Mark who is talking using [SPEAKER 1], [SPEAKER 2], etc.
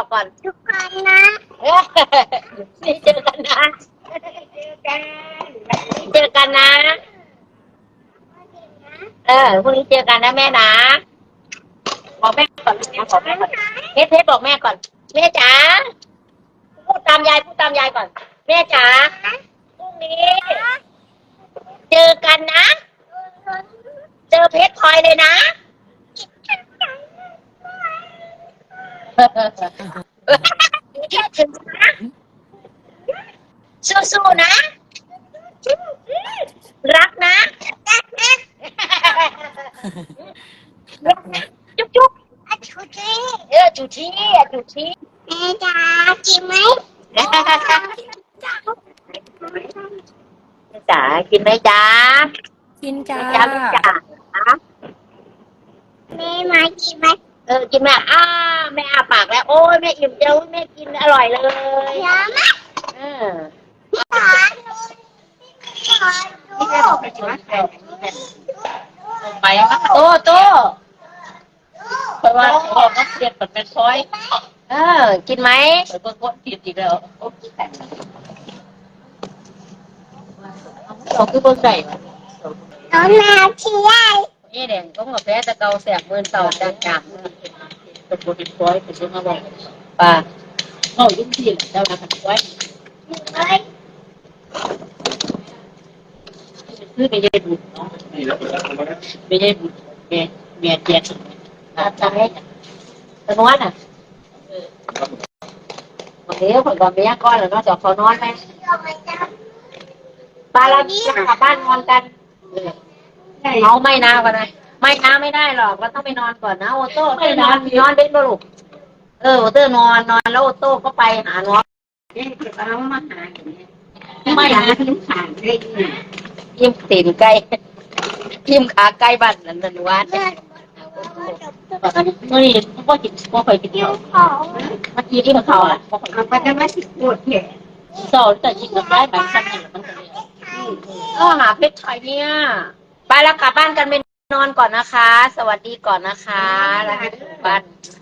[SPEAKER 1] ก่อน
[SPEAKER 2] ทุกคนนะ
[SPEAKER 1] นี่เจอกันนะเจอกันนะพรุ่งนี้เจอกันนะแม่นะบอกแม่ก่อนบอกแม่ก่อนเทสบอกแม่ก่อนแม่จ๋าพูดตามยายก่อนแม่จ๋าพรุ่งนี้เจอกันนะเจอเพชรพลอยเลยนะถึงนะสู้ๆนะรักนะจุ๊บจุ๊บ
[SPEAKER 2] ชูชี
[SPEAKER 1] จุชีจุชี
[SPEAKER 2] แม่จ๋ากินไหม
[SPEAKER 1] จ๋ากินไหมจ๋า
[SPEAKER 3] กินจ้า
[SPEAKER 1] จ๋าไม่จ๋า
[SPEAKER 2] แม่มากินไหม
[SPEAKER 1] กินแม่แม่อาปากแล้วโอ้ยแม่อิ่มเจ้าแม่กินอร่อยเลย
[SPEAKER 2] เยอะมากขอดูขอดู
[SPEAKER 3] ไปมา
[SPEAKER 1] โต
[SPEAKER 3] เพราะว่าเขาบอกว่าเสียบเป็นซอย
[SPEAKER 1] กินไหม
[SPEAKER 3] แล้วก็กดผิดอีกแล้วโอ้ยแต่เราคือบ่ได้
[SPEAKER 2] น้องแมวชี้ได้
[SPEAKER 1] นี่เด่นก็กาแฟตะเกาแสบมือเต่าจัง
[SPEAKER 3] เป็นบ่เป็นซอยเป็นซอยมาบอก
[SPEAKER 1] ป่า
[SPEAKER 3] เขายุ่งที่แล้วนะเป็นซอย
[SPEAKER 2] เฮ้ย
[SPEAKER 3] คือไม่ได้บุญเนาะไม่ได้บุญแม่เจ็ด
[SPEAKER 1] ตายตะนวนวันนี้ผมก่อนไปย่างก้อนแล้วนอกจากเขานอนไหมป้าเรากลับบ้านนอนกันเขาไม่นะกันนะไม่นะไม่ได้หรอกเราต้องไปนอนก่อนนะโอโต้ไปนอนเป็นบุรุษโอโต้นอนแล้วโอโต้ก็ไปหาน้อง
[SPEAKER 3] เรามาหาอย่างนี้
[SPEAKER 1] ไม่นะ
[SPEAKER 3] ทิ้งขาดได้ยัง
[SPEAKER 1] ยิ้มตีนไก่ยิ้มขาไก่บ้านนันวัด
[SPEAKER 3] นี่ก็จิตก็เคยกิน
[SPEAKER 2] เดี๋ยว
[SPEAKER 3] เขา
[SPEAKER 2] ของ
[SPEAKER 3] เมื่อกี้ที่เขาอ่ะมันจะไม่สิปวดแขนโซ่แต่จิตก็ได้แบบสั้นๆมันจะเลย
[SPEAKER 1] หาเพชรไทยเนี่ยไปแล้วกลับบ้านกันไปนอนก่อนนะคะ สวัสดีก่อนนะคะแล้วบ้าน